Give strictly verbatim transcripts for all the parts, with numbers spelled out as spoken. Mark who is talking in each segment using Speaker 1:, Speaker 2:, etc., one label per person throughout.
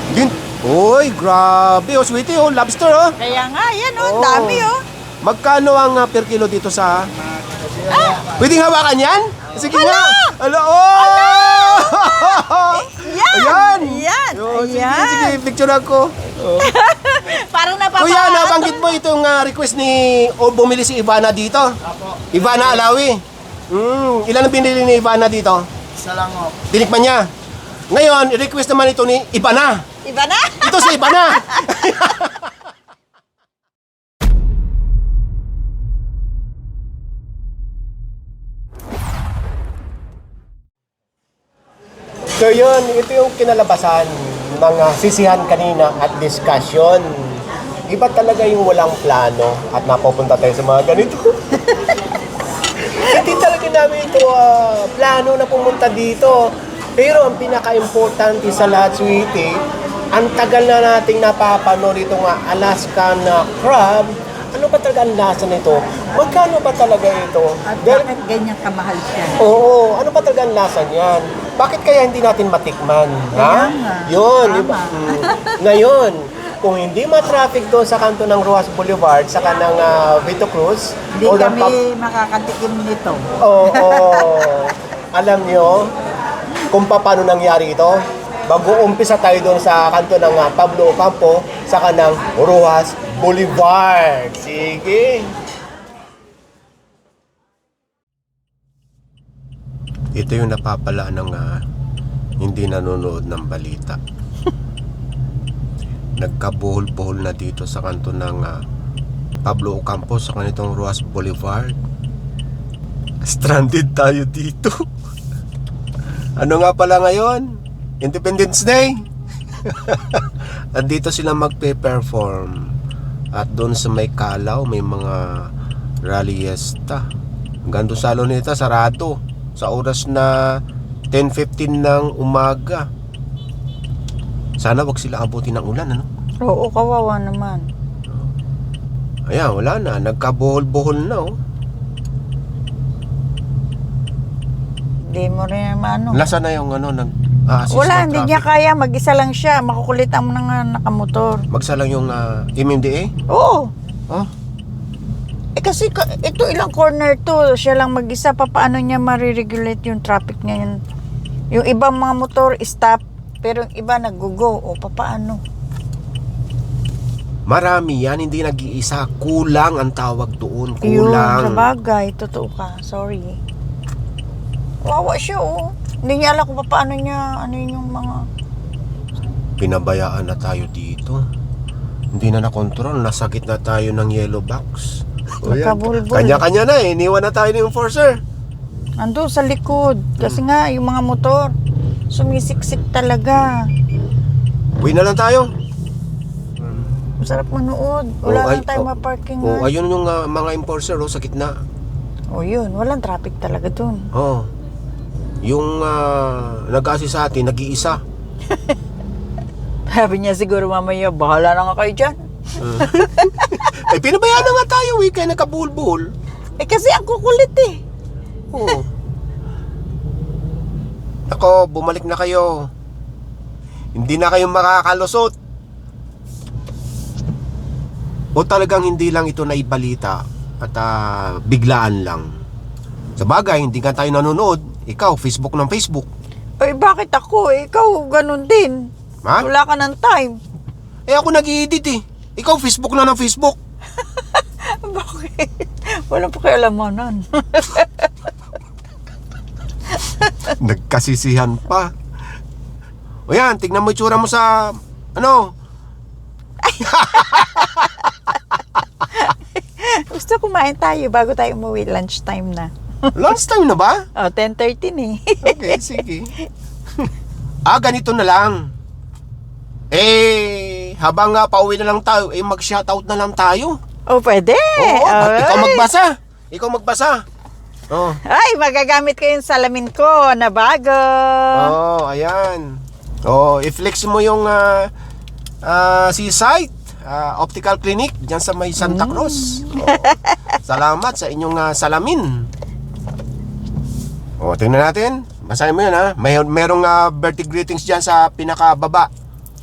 Speaker 1: Yun. Uy, grabe. Oh, sweetie, oh. Lobster, oh.
Speaker 2: Kaya nga, yan oh,
Speaker 1: Oo.
Speaker 2: dami oh.
Speaker 1: Magkano ang uh, per kilo dito sa... Ah! Pwedeng hawakan yan? Sige nga. Hala, oh!
Speaker 2: Yan!
Speaker 1: Ayan!
Speaker 2: Yan!
Speaker 1: Oh, sige,
Speaker 2: Ayan.
Speaker 1: sige, picture ako. Oh.
Speaker 2: Parang napapa...
Speaker 1: Kuya, nabanggit mo itong uh, request ni... O bumili si Ivana dito? Ivana Alawi. Mm, ilan ang binili ni Ivana dito?
Speaker 3: Isa lang oh.
Speaker 1: Tinikman niya. Ngayon, i-request naman ito ni Ivana.
Speaker 2: Iba na?
Speaker 1: Ito si Ivana. So yun, ito yung kinalabasan ng uh, sisihan kanina at discussion. Iba talaga yung walang plano at napupunta tayo sa mga ganito. Hindi talaga namin ito uh, plano na pumunta dito. Pero ang pinaka-importante sa lahat, sweetie, ang tagal na nating napapanood itong uh, Alaskan uh, crab. Ano ba talaga ang lasa nito? Magkano ba talaga ito?
Speaker 2: At
Speaker 1: Dahil-
Speaker 2: bakit ganyan kamahal siya?
Speaker 1: Oo, ano pa talaga ang lasa niyan? Bakit kaya hindi natin matikman? Ha?
Speaker 2: Kaya nga.
Speaker 1: Yun, di
Speaker 2: Tama.
Speaker 1: ba? Mm. Ngayon, kung hindi ma-traffic doon sa kanto ng Ruas Boulevard, sa kanang uh, Vito Cruz,
Speaker 2: Hindi
Speaker 1: o ng
Speaker 2: kami
Speaker 1: pap-
Speaker 2: makakatikim nito.
Speaker 1: Oo, oo. Alam nyo kung paano nangyari ito? Mag-uumpisa tayo doon sa kanto ng uh, Pablo Ocampo, sa kanang Ruas Boulevard. Sige. Ito yung napapala ng uh, hindi nanonood ng balita. Nagkabuhol-buhol na dito sa kanto ng uh, Pablo Ocampo sa kanitong Ruas Boulevard. Stranded tayo dito. Ano nga pala ngayon? Independence Day. Andito sila magpe-perform. At doon sa may Kalaw, may mga rallyesta. Hanggang doon sa Luneta, sarado. Sa oras na ten fifteen ng umaga. Sana wag sila abutin ng ulan, ano?
Speaker 2: Oo, kawawa naman.
Speaker 1: Ayan, wala na. Nagkabuhol-buhol na, oh.
Speaker 2: Hindi mo rin ano.
Speaker 1: Lasa na yung ano, nag assist
Speaker 2: Wala,
Speaker 1: ng
Speaker 2: hindi niya
Speaker 1: traffic.
Speaker 2: kaya. Mag-isa lang siya. Makukulit ang mga nakamotor.
Speaker 1: Magsa lang yung uh, M M D A?
Speaker 2: Oo.
Speaker 1: Oh,
Speaker 2: Eh kasi ka- ito ilang corner to. Siya lang mag-isa. Pa, paano niya mariregulate yung traffic niya? Yung, yung ibang mga motor stop. Pero yung iba nag-go. O papaano?
Speaker 1: marami yan, hindi nag-iisa. Kulang ang tawag doon.
Speaker 2: Yun, sa
Speaker 1: Kulang.
Speaker 2: bagay. Totoo ka. Sorry. Wawa siya oh. Hindi niya alam kung paano niya, ano yun yung mga...
Speaker 1: Pinabayaan na tayo dito. Hindi na nakontrol. Nasa gitna tayo ng yellow box. O yan.
Speaker 2: Nakabulbul.
Speaker 1: Kanya-kanya na eh. Iniwan na tayo ng enforcer.
Speaker 2: Ando sa likod. Kasi nga, yung mga motor, sumisiksik talaga.
Speaker 1: Uwi na lang tayo.
Speaker 2: Masarap manood. Wala
Speaker 1: Oh,
Speaker 2: lang
Speaker 1: ay-
Speaker 2: tayo
Speaker 1: oh,
Speaker 2: maparking.
Speaker 1: Oh,
Speaker 2: nga.
Speaker 1: ayun yung uh, mga enforcer oh, sa gitna.
Speaker 2: Oh, yun. Walang traffic talaga dun.
Speaker 1: Oh. Yung uh, nag-assist sa atin, nag-iisa.
Speaker 2: Sabi niya siguro mamaya, bahala na nga kayo dyan.
Speaker 1: Eh, pinabayaan na nga tayo eh, kaya nagkabulbul.
Speaker 2: Eh kasi ang kukulit eh.
Speaker 1: Oo. Ako, bumalik na kayo. Hindi na kayo makakalusot. O talagang hindi lang ito naibalita at uh, biglaan lang. Sa bagay, hindi ka tayo nanonood. Ikaw, Facebook ng Facebook.
Speaker 2: Eh bakit ako? Eh, ikaw ganun din.
Speaker 1: Ha?
Speaker 2: Wala ka ng time.
Speaker 1: Eh ako nag-i-edit eh. Ikaw, Facebook na ng Facebook.
Speaker 2: Bakit? Walang pakialamanan.
Speaker 1: Nagkasisihan pa. O yan, tignan mo itsura mo sa... Ano?
Speaker 2: Gusto kumain tayo bago tayo umuwi. Lunchtime na.
Speaker 1: Lunch time na ba?
Speaker 2: Oh, ten thirty eh.
Speaker 1: Okay, sige. Ah, ganito na lang. Eh, habang nga pauwi na lang tayo, eh mag-shoutout na lang tayo.
Speaker 2: Oh, pwede.
Speaker 1: Oo, at
Speaker 2: Alright.
Speaker 1: ikaw magbasa. Ikaw magbasa. Oh.
Speaker 2: Ay, magagamit ko yung salamin ko na bago.
Speaker 1: Oh, ayan. Oh, i-flex mo yung uh, uh, seaside uh, optical clinic diyan sa may Santa Cruz. Oh, salamat sa inyong uh, salamin. Oh, tingnan natin. Basahin mo 'yan ha. May merong uh, birthday greetings diyan sa pinakababa.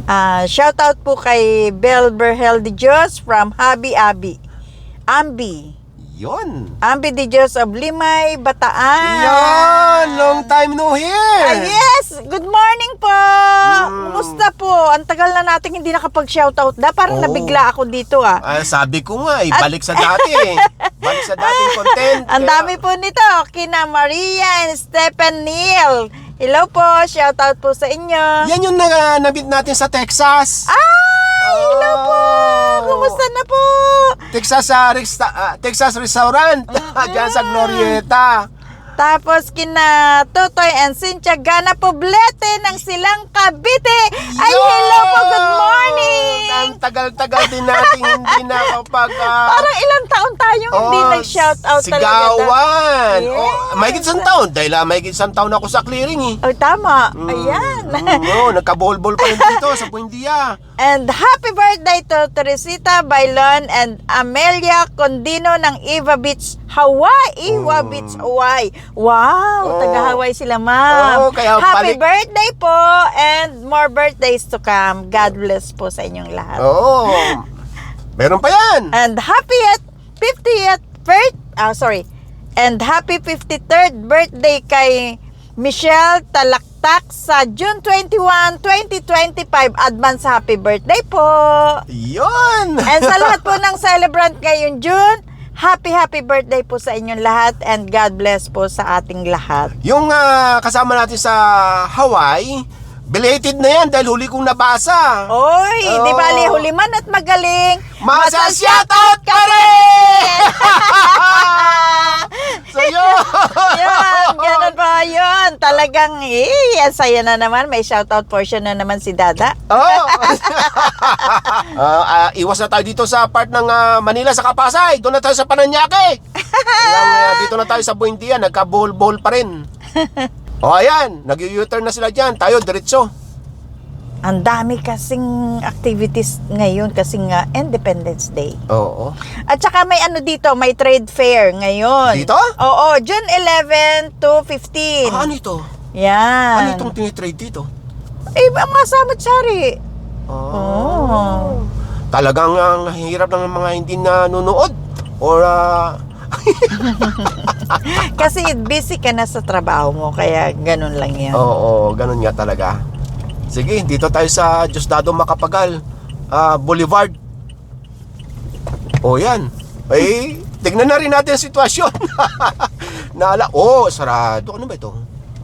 Speaker 2: Ah, shout out po kay Bel Berhel de Dios from Habi Abi. Ambi.
Speaker 1: Yon.
Speaker 2: Ambi de Dios of Limay, Bataan.
Speaker 1: Yon! Long time no hear!
Speaker 2: Ah, yes! Good morning po!
Speaker 1: Mm.
Speaker 2: Kumusta po? Ang tagal na natin hindi nakapag-shoutout na. Parang
Speaker 1: Oo.
Speaker 2: nabigla ako dito ah.
Speaker 1: Ah, sabi ko nga, ibalik sa dati eh. Balik sa dating content.
Speaker 2: Ang
Speaker 1: Kaya-
Speaker 2: dami po nito. Kina Maria and Stephen Neal. Hello po. Shoutout po sa inyo.
Speaker 1: Yan yung na, nabit natin sa Texas.
Speaker 2: Ah! Hello po!
Speaker 1: Oh.
Speaker 2: Kumusta na po?
Speaker 1: Texas sa resta- ah, Texas Restaurant. Diyan sa Glorieta.
Speaker 2: Tapos kina Totoy and Cynthia Gana Poblete ng Silang Cavite. Ay,
Speaker 1: Yun!
Speaker 2: hello po. Good morning!
Speaker 1: Ang tagal-tagal din natin hindi nakapag... ah,
Speaker 2: Parang ilang taon tayong hindi
Speaker 1: oh,
Speaker 2: nag-shoutout talaga.
Speaker 1: Sigawan.
Speaker 2: Yes.
Speaker 1: Oh, may isang taon. Dahil ah, may isang taon ako sa clearing eh.
Speaker 2: Oh, tama. Ayan.
Speaker 1: Mm, oh, nagka-bol-bol pa rin dito sa Buendia.
Speaker 2: And happy birthday to Teresita Bailon and Amelia Condino ng Eva Beach, Hawaii. Eva
Speaker 1: Mm.
Speaker 2: Beach, Hawaii. Wow,
Speaker 1: Oh.
Speaker 2: taga-Hawaii sila, ma'am.
Speaker 1: Oh, kaya
Speaker 2: happy
Speaker 1: balik-
Speaker 2: birthday po and more birthdays to come. God bless po sa inyong lahat.
Speaker 1: Oo. Meron pa yan.
Speaker 2: And happy at fiftieth birth, ah sorry. And happy fifty-third birthday kay Michelle Talaktak sa June twenty-first, twenty twenty-five. Advance happy birthday po.
Speaker 1: Yun.
Speaker 2: And sa lahat po ng celebrant ngayong June, happy happy birthday po sa inyong lahat and God bless po sa ating lahat.
Speaker 1: Yung ah, kasama natin sa Hawaii, belated na yan dahil huli kong nabasa.
Speaker 2: Oy,
Speaker 1: Oh.
Speaker 2: di bali huliman at magaling.
Speaker 1: Masa-shoutout ka rin! So yun.
Speaker 2: Yan, ganun po yun. Talagang, eh, ang saya na naman. May shoutout portion na naman si Dada.
Speaker 1: Oh. Ah, ah, iwas na tayo dito sa part ng ah, Manila sa Kapasay. Doon na tayo sa Paranaque. Kaya, ah, dito na tayo sa Buendia, nagka-bowl-bowl pa rin. O ayan, nag-u-turn na sila dyan. Tayo, diretso.
Speaker 2: Ang dami kasing activities ngayon kasi nga Independence Day.
Speaker 1: Oo.
Speaker 2: At saka may ano dito, may trade fair ngayon.
Speaker 1: Dito?
Speaker 2: Oo, June eleven to fifteen.
Speaker 1: Ah, ano ito?
Speaker 2: Yan.
Speaker 1: Ano itong tinitrade dito?
Speaker 2: Eh, mga samot-sari.
Speaker 1: Oh.
Speaker 2: Oh.
Speaker 1: Talagang ang hirap ng mga hindi nanonood. Or, ah,
Speaker 2: Kasi busy ka na sa trabaho mo, kaya ganun lang yan.
Speaker 1: oo, ganun nga talaga. Sige, dito tayo sa Diosdado Macapagal ah, Boulevard. O yan. Ay, tignan na rin natin ang sitwasyon. Naala, oh, sarado. Ano ba ito?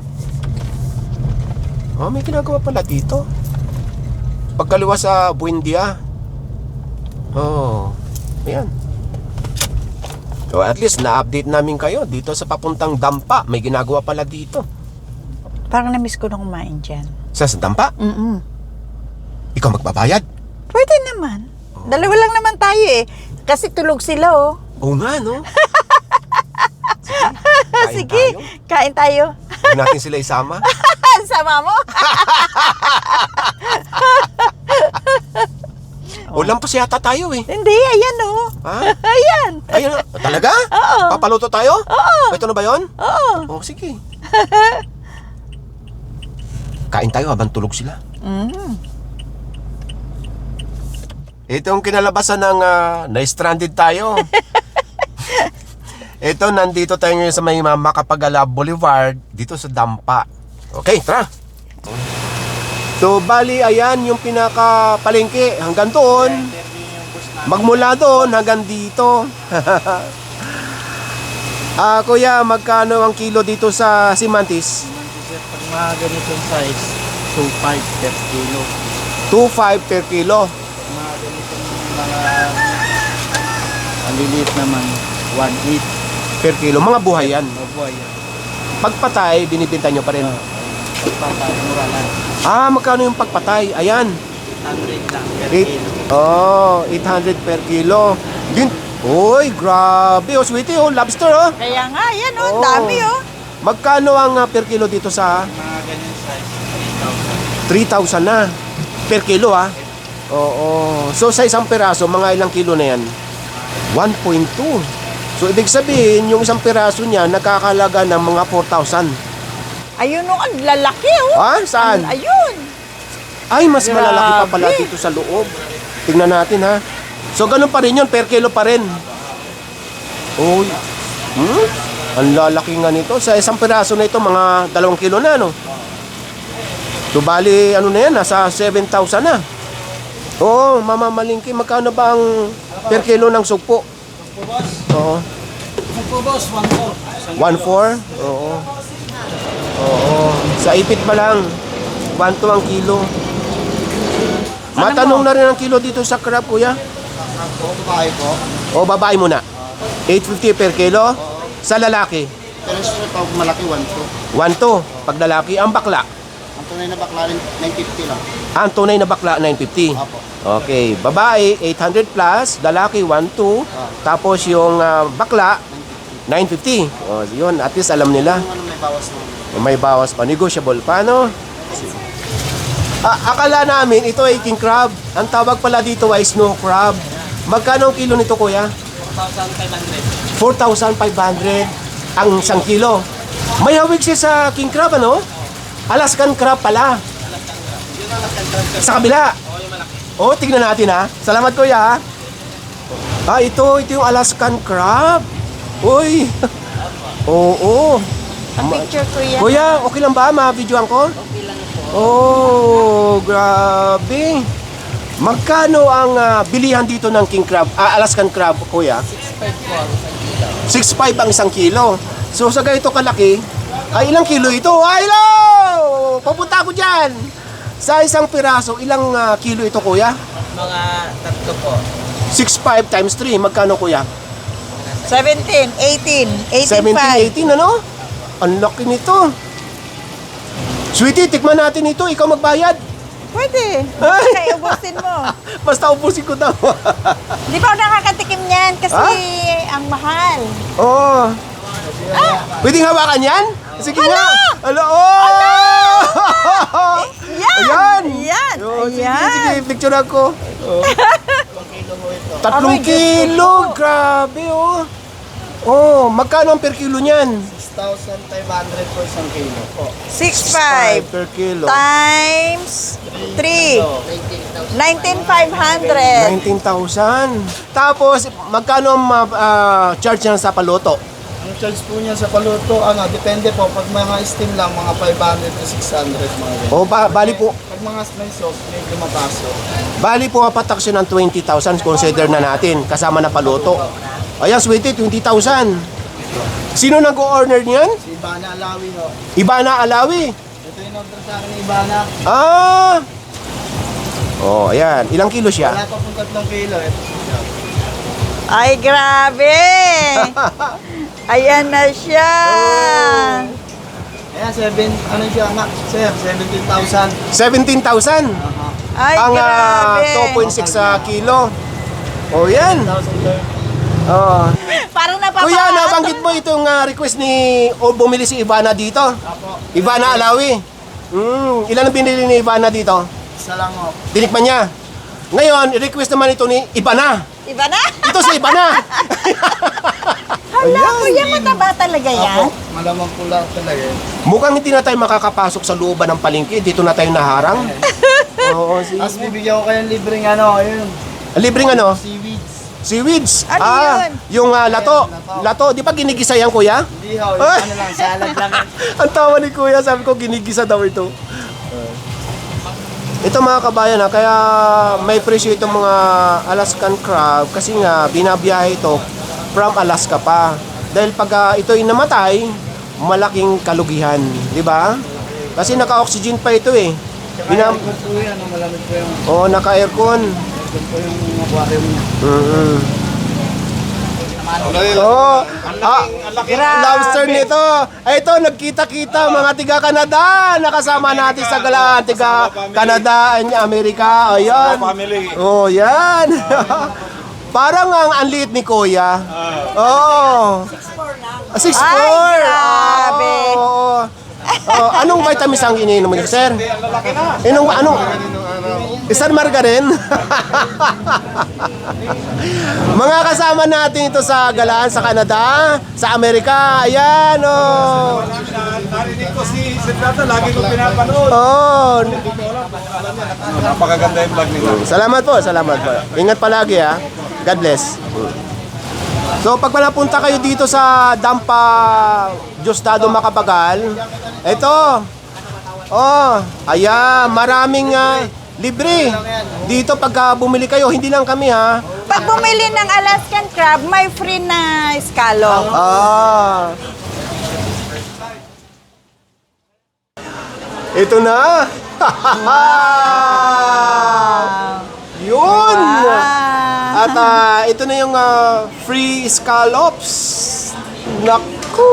Speaker 1: Oh, may ginagawa pala dito. Pagkaliwa sa Buendia. Oh, ayan. So at least na-update namin kayo dito sa papuntang Dampa. May ginagawa pala dito.
Speaker 2: Parang na-miss ko na kumain dyan.
Speaker 1: Sa sa Dampa?
Speaker 2: Mm-mm.
Speaker 1: Ikaw magbabayad?
Speaker 2: Pwede naman. Dalawa lang naman tayo eh. Kasi tulog sila oh.
Speaker 1: Oo nga, no? Sige, kain
Speaker 2: Sige,
Speaker 1: tayo.
Speaker 2: kain tayo.
Speaker 1: Huwag natin sila isama.
Speaker 2: Sama mo?
Speaker 1: O lampas yata tayo eh.
Speaker 2: Hindi, ayan oh.
Speaker 1: Ha?
Speaker 2: Ayan.
Speaker 1: Ayun, talaga?
Speaker 2: Oo.
Speaker 1: Papaluto tayo?
Speaker 2: Oo.
Speaker 1: Ito na ba yun?
Speaker 2: Oo.
Speaker 1: O, sige. Kain tayo habang tulog sila.
Speaker 2: Mm.
Speaker 1: Itong kinalabasan ng uh, na-stranded tayo. Ito, nandito tayo ngayon sa may Macapagala Boulevard, dito sa Dampa. Okay, tara. So, bali, ayan yung pinaka-palengke. Hanggang doon. Magmula doon hanggang dito. Ah, kuya, magkano ang kilo dito sa Simantis?
Speaker 3: Pag mga ganitong size, two five per kilo.
Speaker 1: two five per kilo.
Speaker 3: Mga ganitong mga maliliit naman, one eight
Speaker 1: Per kilo. Mga buhay yan.
Speaker 3: mabuhay yan.
Speaker 1: Pagpatay, binibinta nyo pa rin.
Speaker 3: Uh, Pagpatay, mura lang.
Speaker 1: Ah, magkano yung pagpatay? Ayan.
Speaker 3: eight hundred lang per
Speaker 1: Eight,
Speaker 3: kilo.
Speaker 1: oh, eight hundred per kilo. Din, oy, grabe. Oh, sweetie, oh, lobster, oh.
Speaker 2: Kaya nga, ayan oh.
Speaker 1: Oo.
Speaker 2: Dami oh.
Speaker 1: Magkano ang ah, per kilo dito sa
Speaker 3: Mga ganyan size, three thousand.
Speaker 1: three thousand na? Per kilo, ah. Oo. So, sa isang peraso, mga ilang kilo na yan? one point two. So, ibig sabihin, yung isang peraso niya, nakakalaga ng mga four thousand.
Speaker 2: Ayun oh, ang lalaki oh.
Speaker 1: Ah, saan?
Speaker 2: Ang- ayun.
Speaker 1: Ay, mas malalaki pa pala dito sa loob. Tingnan natin ha. So, ganun pa rin yun. Per kilo pa rin. Uy. Hmm? Ang lalaki nga nito. Sa isang piraso na ito, mga dalawang kilo na, no? So, bali, ano na yan? Nasa seven thousand na. Oo, mamamalingki. Magkano ba ang per kilo ng sugpo? Oo.
Speaker 3: Sugpo boss, one four.
Speaker 1: one four? Oo. Oo. Sa ipit pa lang. one two ang kilo. Matanong na rin ang kilo dito sa crab, kuya.
Speaker 3: O, babae po.
Speaker 1: O, babae muna. eight fifty per kilo. Sa lalaki,
Speaker 3: Pero sa pag malaki, one two.
Speaker 1: one two. Pag lalaki, ang bakla.
Speaker 3: Ang tunay na bakla rin, nine fifty lang.
Speaker 1: Ang tunay na bakla, nine fifty.
Speaker 3: Apo.
Speaker 1: Okay, babae, eight hundred plus. Lalaki, one two. Tapos yung ah, bakla, nine fifty. O, yun. At least alam nila.
Speaker 3: Yung ano may bawas na.
Speaker 1: May bawas pa. Negotiable pa, no? Ah, akala namin, ito ay king crab. Ang tawag pala dito ay snow crab. Magkano ang kilo nito, kuya? four thousand five hundred ang isang kilo. May hawig siya sa king crab, ano? Alaskan crab pala. Sa kabila. Oh, tignan natin ha. Salamat, kuya. ha. Ah, ito, ito yung Alaskan crab. Uy. Oo.
Speaker 2: Pa-picture ko yan.
Speaker 1: Kuya, okay lang ba? Ma-videoan ko? Okay lang po. Oh, grabe. Magkano ang ah, bilihan dito ng king crab, ah, Alaskan crab, kuya? six five ang isang kilo. So sa ganito kalaki, ay ilang kilo ito? Ay, hello! Papunta ako dyan. Sa isang piraso, ilang ah, kilo ito, kuya?
Speaker 3: Mga tatlo po.
Speaker 1: six five times three, magkano, kuya?
Speaker 2: seventeen, eighteen, eighteen
Speaker 1: seventeen,
Speaker 2: five.
Speaker 1: eighteen, ano? Ang laki nito. Sweetie, tikman natin ito. Ikaw magbayad.
Speaker 2: Pwede.
Speaker 1: Ay!
Speaker 2: Kaya ubusin mo.
Speaker 1: Basta ubusin ko daw.
Speaker 2: Di ba ako nakakatikim niyan kasi
Speaker 1: Ah?
Speaker 2: ang mahal.
Speaker 1: Oo. Pwedeng hawakan yan? Sige nga. Hala, oh!
Speaker 2: Yan!
Speaker 1: Ayan!
Speaker 2: Yan!
Speaker 1: Oh, sige,
Speaker 2: Ayan!
Speaker 1: sige, picture ako. Oh. Tatlong
Speaker 2: Aray, Diyos
Speaker 1: kilo, grabe oh. Oh, magkano ang per kilo niyan?
Speaker 3: six thousand five hundred po isang kilo po.
Speaker 2: six five
Speaker 1: per kilo.
Speaker 2: times three. nineteen five hundred.
Speaker 1: nineteen thousand. Tapos, magkano ang ah, charge niya sa paluto?
Speaker 3: Ang charge po niya sa paluto, ano, depende po. Pag mga steam lang, mga five hundred to six hundred mga ganyan.
Speaker 1: O, ba, bali po,
Speaker 3: Pag mga may sauce, may lumapaso.
Speaker 1: bali po patak siya ng twenty thousand, consider na natin, kasama na paluto. Ayan, sweetie, twenty thousand. Sino nag-o-order niyan?
Speaker 3: Si Ibana Alawi ho.
Speaker 1: Ibana Alawi.
Speaker 3: Ito yung order sa akin ni Ibana.
Speaker 1: Ah! Oh, ayan. Ilang kilo siya?
Speaker 3: Wala pa pong tatlong kilo. Ito siya.
Speaker 2: Ay, grabe! Ayan na siya!
Speaker 3: Ayan, seven, ano siya, max, sir, seventeen thousand.
Speaker 1: seventeen thousand.
Speaker 3: Aha.
Speaker 2: Ay,
Speaker 1: Ang ah,
Speaker 2: grabe!
Speaker 1: two point six sa kilo. Oh, yan.
Speaker 3: one thousand
Speaker 1: Oh.
Speaker 2: Parang napapa...
Speaker 1: Kuya, nabanggit mo itong ah, request ni o bumili si Ivana dito.
Speaker 3: Apo.
Speaker 1: Ivana Alawi. Mm, ilan ang binili ni Ivana dito?
Speaker 3: Isa lang ho.
Speaker 1: Tinikman niya. Ngayon, request naman ito ni Ivana.
Speaker 2: Iba na?
Speaker 1: Ito si Ivana.
Speaker 2: Hala, kuya, mataba talaga yan?
Speaker 3: Apo, malamang pula talaga yun.
Speaker 1: Mukhang hindi na tayo makakapasok sa looban ng palengke. Dito na tayo naharang. Oo, si...
Speaker 3: Tapos bibigyan ko kayong libreng ano, ayun,
Speaker 1: Libreng ano?
Speaker 3: seaweeds.
Speaker 1: Seaweeds.
Speaker 2: Ano
Speaker 1: ah,
Speaker 2: yun?
Speaker 1: yung ah, lato. Lato. Di ba ginigisa yan, kuya?
Speaker 3: Hindi ho, yung
Speaker 1: Ay!
Speaker 3: ano lang, salad lang.
Speaker 1: Ang tawa ni kuya, sabi ko ginigisa daw ito. Ito mga kabayan ha, kaya may presyo itong mga Alaskan crab kasi nga binabiyahe ito from Alaska pa. Dahil pag ah, ito'y namatay, malaking kalugihan, di ba? Kasi naka-oxygen pa ito eh. Binam
Speaker 3: Malamig po yan, ano, malamig po yung,
Speaker 1: oh, naka-aircon.
Speaker 3: aircon po yung aquarium niya.
Speaker 1: Mm-hmm. Oh, ah, lobster nito. Ay, ito, nagkita-kita mga tiga-Canada. Nakasama natin sa galaan. Tiga-Canada and Amerika. Ayan. Oh, yan. Parang ang anlit ni Kuya. Oh. six four.
Speaker 2: Ay, grabe.
Speaker 1: Oh, oh, anong vitamins ang iniinom niyo, sir? Anong, anong, San Margarin. Mga kasama natin ito sa galaan sa Canada, sa Amerika. Ayan, oh.
Speaker 4: Narinig ko si Senator, lagi ko pinapanood.
Speaker 1: Oh.
Speaker 4: Napakaganda yung vlog nila.
Speaker 1: Salamat po, salamat po. Ingat palagi ha. God bless. So pag napunta kayo dito sa Dampa Diosdado Macapagal, ito. Oh, ayan, maraming ah, libre. Dito pagka bumili kayo, hindi lang kami ha.
Speaker 2: Pag bumili ng Alaskan crab, may free na scallop.
Speaker 1: Ah. Ito na. Yun. At ah, ito na yung ah, free scallops. Naku.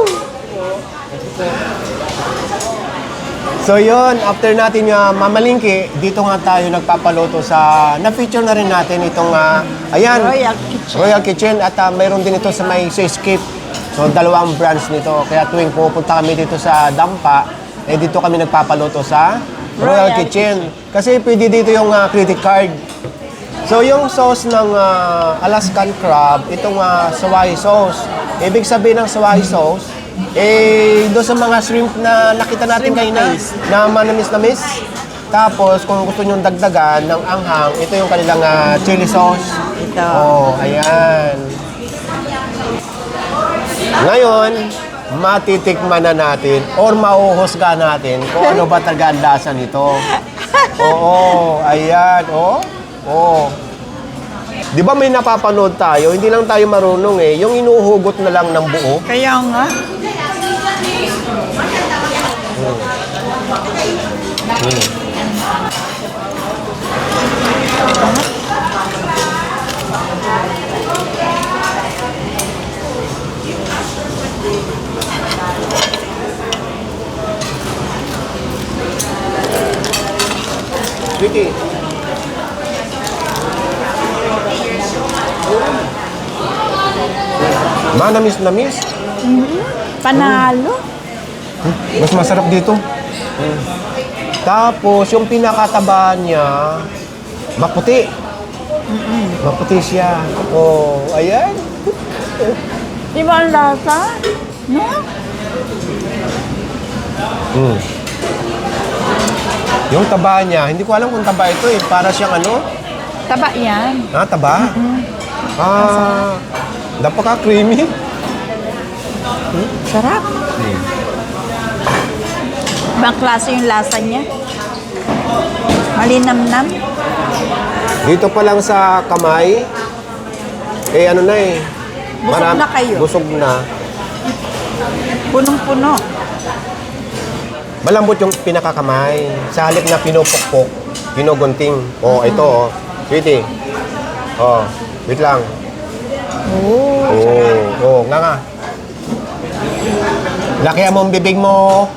Speaker 1: So yun, after natin uh, mamalingki, dito nga tayo nagpapaluto sa, na-feature na rin natin itong, uh, ayan,
Speaker 2: Royal Kitchen.
Speaker 1: Royal Kitchen at uh, mayroon din ito sa may Seascape. So dalawang branch nito. Kaya tuwing pupunta kami dito sa Dampa, eh dito kami nagpapaluto sa Royal,
Speaker 2: Royal
Speaker 1: Kitchen. Kasi pwede dito yung uh, credit card. So yung sauce ng uh, Alaskan crab, itong uh, sawai sauce. Ibig sabihin ng sawai sauce, eh doon sa mga shrimp na nakita natin kayo na, na manamis-namis. Tapos kung gusto nyo dagdagan ng anghang, ito yung kanilang uh, chili sauce.
Speaker 2: Ito.
Speaker 1: Oh, ayan. Ngayon, matitikman na natin or mauhusga natin kung ano ba talaga ang lasa nito. Oo, ayan, oh. Oh. Di ba may napapanood tayo, hindi lang tayo marunong eh, yung inuhugot na lang ng buo.
Speaker 2: Kaya nga.
Speaker 1: Vicky. Manamis-namis.
Speaker 2: Panalo.
Speaker 1: Mas masarap dito. Tapos, yung pinakataba niya, maputi. Maputi siya. Oh, ayan.
Speaker 2: Di ba ang lasa? No?
Speaker 1: Mm. Yung taba niya, hindi ko alam kung taba ito eh. Para siyang ano?
Speaker 2: Taba yan.
Speaker 1: Ah, taba? Ah, napaka-creamy.
Speaker 2: Sarap. Ibang klase yung lasa niya. Malinamnam.
Speaker 1: Dito pa lang sa kamay, eh ano na eh.
Speaker 2: Busog na kayo.
Speaker 1: Busog na.
Speaker 2: Punong-puno.
Speaker 1: Malambot yung pinakakamay. Sa halip na pinupukpok, pinugunting. Oh, ito oh. Sweetie. Oh, wait lang.
Speaker 2: Oh.
Speaker 1: Oh, oh, nga nga. Laki mo ang bibig mo.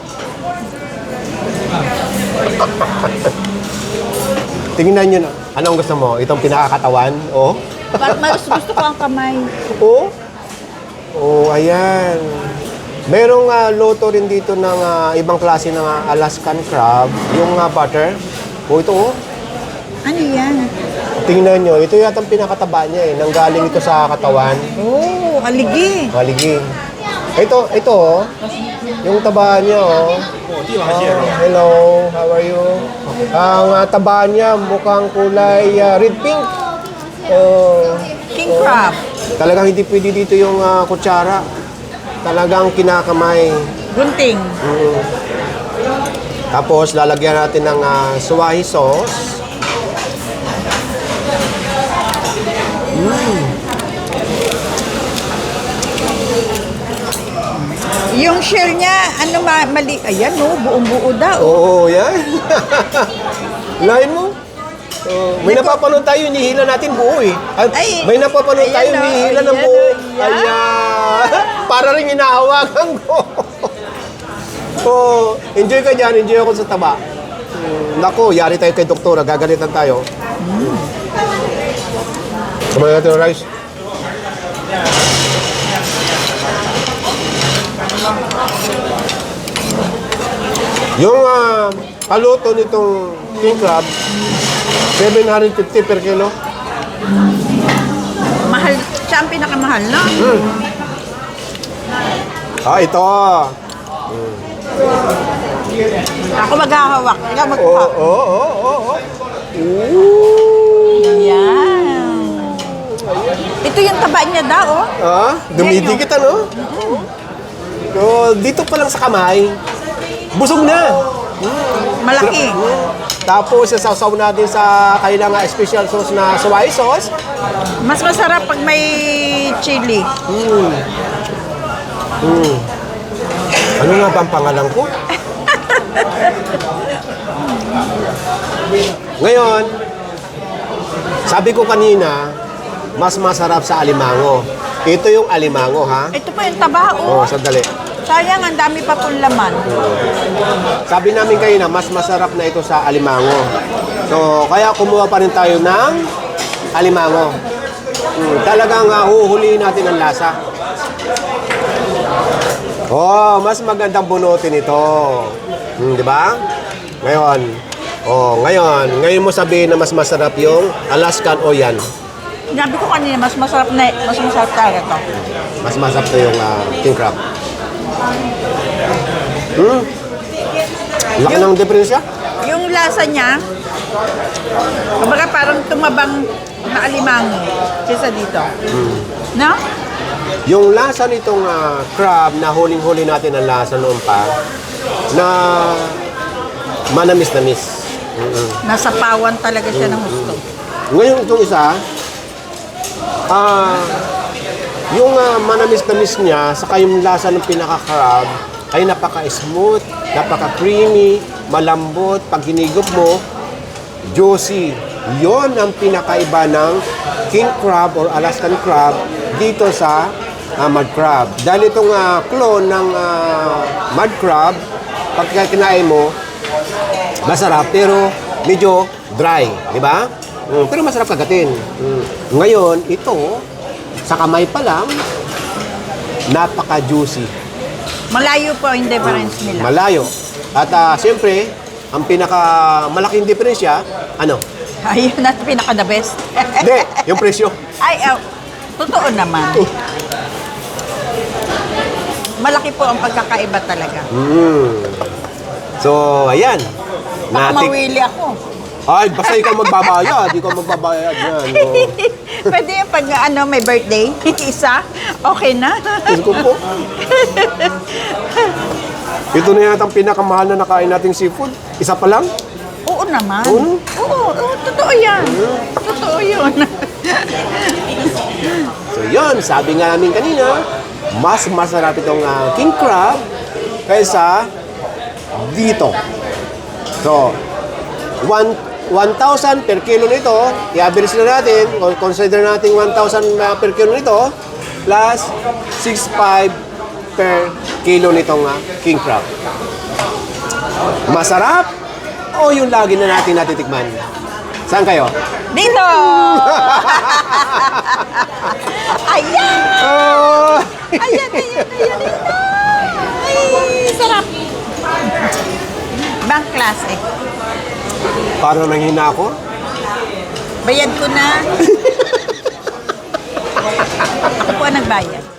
Speaker 1: Tingnan nyo na. Anong gusto mo? Itong pinakakatawan? Oh.
Speaker 2: Parang mas gusto ko ang kamay.
Speaker 1: Oh. Oh, ayan. Merong uh, loto rin dito ng uh, ibang klase ng uh, Alaskan crab. Yung uh, butter. Oh, ito oh.
Speaker 2: Ano yan?
Speaker 1: Tingnan nyo. Ito yata ang pinakataba niya eh. Nanggaling ito sa katawan.
Speaker 2: Oh, aligi.
Speaker 1: Maliging. Ito, ito oh. Yung taba niya oh. Oh, hello, how are you? Ang uh, taba niya mukhang kulay uh, red pink. Oh,
Speaker 2: King crab.
Speaker 1: talagang hindi pwede dito yung uh, kutsara. Talagang kinakamay.
Speaker 2: Gunting.
Speaker 1: Mm. Tapos lalagyan natin ng uh, suwahi sauce.
Speaker 2: Yung shell niya, ano ma mali, ayan no, buong-buo daw.
Speaker 1: Oo, yan. Lain mo. Oh, may napapanood tayo, hinihila natin buo eh. At
Speaker 2: Ay,
Speaker 1: may napapanood tayo,
Speaker 2: ayan,
Speaker 1: hinihila ng
Speaker 2: ayan,
Speaker 1: buo.
Speaker 2: ayan.
Speaker 1: Ayan. Para rin hinahawakan ko. Oh, enjoy ka dyan, enjoy ako sa taba. Hmm, Nako, yari tayo kay doktora, gagalitan tayo. Mm. Kumain natin ng rice. Yung uh, paluto nitong king crab, seven fifty per kilo.
Speaker 2: Mahal, siya ang pinakamahal, no?
Speaker 1: Ah, ito.
Speaker 2: Ako maghahawak. Ikaw
Speaker 1: Oo,
Speaker 2: magkuha.
Speaker 1: oo, oo, oo. Ooh.
Speaker 2: Yan. Ito yung taba niya daw, oh.
Speaker 1: Ah, dumidikit ano? So, dito pa lang sa kamay, busog na.
Speaker 2: Malaki.
Speaker 1: Tapos, sasaw natin sa kailang ah, special sauce na soy sauce.
Speaker 2: Mas masarap pag may chili.
Speaker 1: Mm. Mm. Ano nga ba ang pangalan ko? Ngayon, sabi ko kanina, mas masarap sa alimango. Ito yung alimango, ha?
Speaker 2: Ito pa yung taba,
Speaker 1: Oo,
Speaker 2: oh.
Speaker 1: sandali.
Speaker 2: Sayang, ang dami pa pong laman.
Speaker 1: Sabi namin kayo na mas masarap na ito sa alimango. So, kaya kumuha pa rin tayo ng alimango. Hmm, talagang uh, huhulihin natin ang lasa. Oh, mas magandang bunutin ito. Hmm, di ba? Ngayon, oh, ngayon, ngayon mo sabihin na mas masarap yung Alaskan o yan.
Speaker 2: Sabi ko kanina, mas masarap na, mas masarap talaga to.
Speaker 1: Mas masarap to yung uh, king crab. Hmm. Laki ng diferensya.
Speaker 2: Yung lasa niya, kumbaga parang tumabang na alimango kaysa dito. No?
Speaker 1: Yung lasa nitong ah, crab na huling-huli natin ang lasa noon pa na manamis-namis. Mm-mm.
Speaker 2: Nasa pawan talaga siya ng gusto.
Speaker 1: Ngayon itong isa, ah, yung ah, manamis-namis niya saka yung lasa ng pinaka-crab ay napaka-smooth, napaka-creamy, malambot, pag hinigop mo, juicy. Yon ang pinakaiba ng king crab or Alaskan crab dito sa uh, mud crab. Dahil itong uh, clone ng uh, mud crab, pag kinain mo, masarap pero medyo dry, di ba? Mm, pero masarap kagatin. Mm. Ngayon, ito, sa kamay pa lang, napaka-juicy.
Speaker 2: Malayo po yung difference nila.
Speaker 1: Malayo. At uh, siyempre, ang pinaka-malaking diferensya, ano?
Speaker 2: Ayun at pinaka the best.
Speaker 1: Hindi, yung presyo.
Speaker 2: Ay, oh, totoo naman. Malaki po ang pagkakaiba talaga.
Speaker 1: Mm. So, ayan.
Speaker 2: Baka
Speaker 1: Natik-
Speaker 2: mawili ako.
Speaker 1: Ay, basta ikaw magbabayad. Ikaw magbabayad yan. Oh.
Speaker 2: Pwede yung pag ano, may birthday, isa, okay na.
Speaker 1: Diyos ko po. Ito na yata ang pinakamahal na nakain nating seafood. Isa pa lang.
Speaker 2: Oo naman.
Speaker 1: Oo?
Speaker 2: Oo, oo, totoo yan. Totoo yun.
Speaker 1: So, yun. Sabi nga namin kanina, mas masarap itong ah, king crab kaysa dito. So, one one thousand per kilo nito, i-average na natin, o consider natin one thousand uh, per kilo nito, plus six point five per kilo nitong uh, king crab. Masarap o yung lagi na natin natitikman? Saan kayo?
Speaker 2: Dito! Ayan!
Speaker 1: Oh!
Speaker 2: Ayan, ayan, ayan, ayan. Ay, sarap. Ibang klase.
Speaker 1: Parang nanghina ako.
Speaker 2: Bayad ko na. Ako po ang nagbayad.